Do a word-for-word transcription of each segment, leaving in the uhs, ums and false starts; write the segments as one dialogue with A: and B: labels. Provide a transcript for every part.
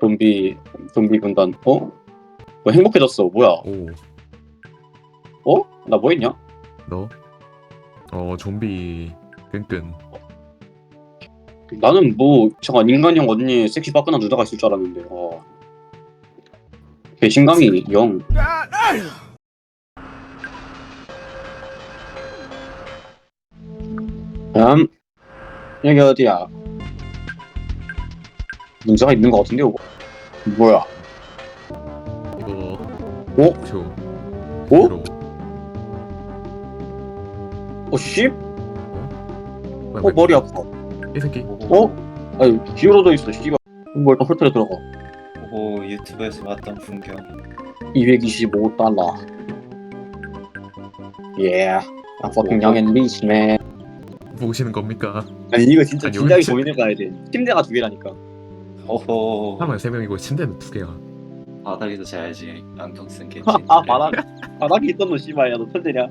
A: 좀비 좀비 군단. 어? 뭐 행복해졌어. 뭐야?
B: 오,
A: 어? 나 뭐 했냐?
B: 너? 어, 좀비 끈끈.
A: 나는 뭐 잠깐 인간형 언니 섹시 빠끈한 누나가 있을 줄 알았는데. 어. 배신감이 영. 음. 여기 어디야? 문제가 있는 것 같은데 이거. 뭐야?
B: 이거
A: 어?
B: 표.
A: 어?
B: 로
A: 어 씨?
B: 뭐야,
A: 어 머리 아파.
B: 이 새끼.
A: 어? 아니 기울어져 있어 씨발. 뭐 일단 홀트에 들어가.
C: 오, 유튜브에서 봤던 풍경.
A: 이백이십오 달러. 예. 아 fucking young and rich man.
B: 보시는 겁니까?
A: 아니 이거 진짜
B: 아니,
A: 진작에
B: 여기 침-
A: 고민해 봐야 돼. 침대가 두 개라니까.
C: 오호.
B: 사람은 세 명이고 침대는 두 개야.
C: 바닥에서 자야지. 안경 쓴 개지.
A: 아 바닥 바닥에 있던 너 씨발 야너 천재냐?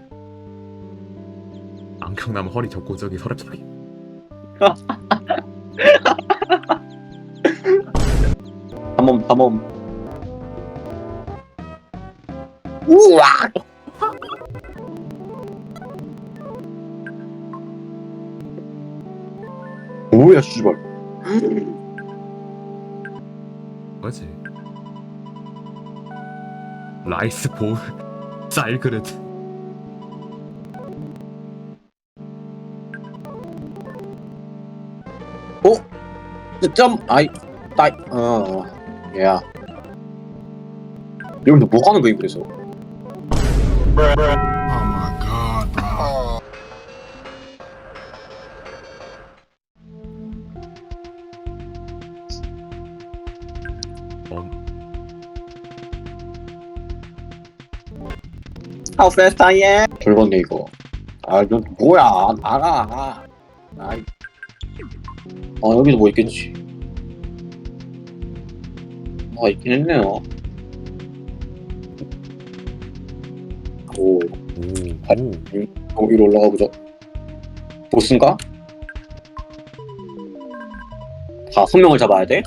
B: 안경 나면 허리 접고 저기 서랍장에.
A: 담엄 담엄. 우와. 뭐야 씨발.
B: 뭐지? 라이스 볼 쌀 그릇.
A: 점 아이 따이 어 야. 여기서 뭐 하는 거임 그래서?
D: Oh my god, bro.
B: 어,
A: How fast I am? 돌건네 이거. 아 이거 뭐야? 나가. 아이. 아 여기도 뭐 있겠지. 뭐가 있긴 했네요. 오,
B: 오, 오.
A: 어, 위로 올라가 보자. 보스인가? 다섯 명을 잡아야 돼?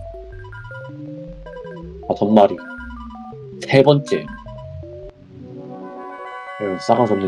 A: 다섯 마리. 세 번째. 에휴, 싸가지 없는